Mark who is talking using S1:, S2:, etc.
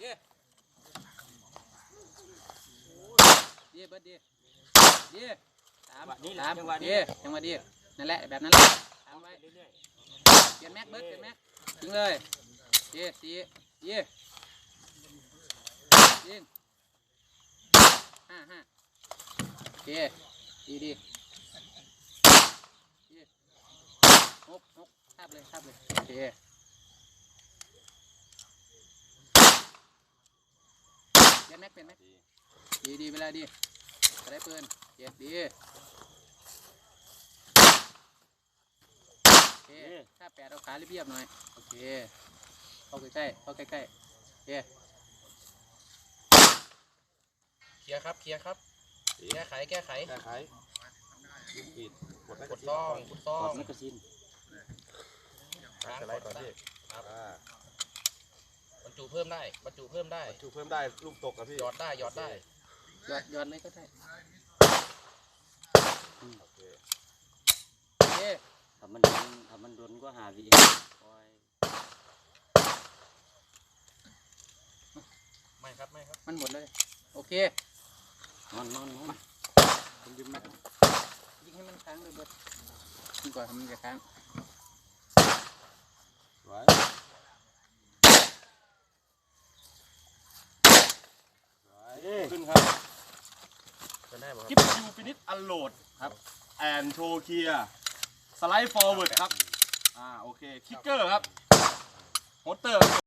S1: ดีเบิร์ดดีตามดีจังหวะดีนั่นแหละแบบนั้นแหละตามไว้เปลี่ยนแม็กเบิร์ดเปลี่ยนแม็กยิงเลยดียิง5โอเคดี6ทาบเลยโอเคเปลี่ยนแม็กดีเวลาดีจะได้ปืนดีโอเคถ้า8เอาขาเรียบๆหน่อยโอเคเข้าใกล้โอเคเคลียร์ครับแก้ไข
S2: ปิด
S1: กดซ่อง
S2: กดแมกกาซีน
S1: สไลด์ก่อนพี่ครับบรรจุเพิ่มได้
S2: ลูกตกครับพี่
S1: หยอดได้หยอดเลยก็ได้
S2: โอเค
S3: ถ้ามันโดนก็หาวิ
S1: ไม่ครับมันหมดเลยโอเคน
S3: อน
S1: ยิงให้มันค้างเลยเบิร์ดยิงก่อนทำมันจะค้าง
S2: ขึ้นครับ
S1: คลิ
S2: ปยูฟินิชอันโหลดครับแอนโชเคียสไลด์ฟอร์เวิร์ดครับโอเคคิกเกอร์ครับโฮสเตอร์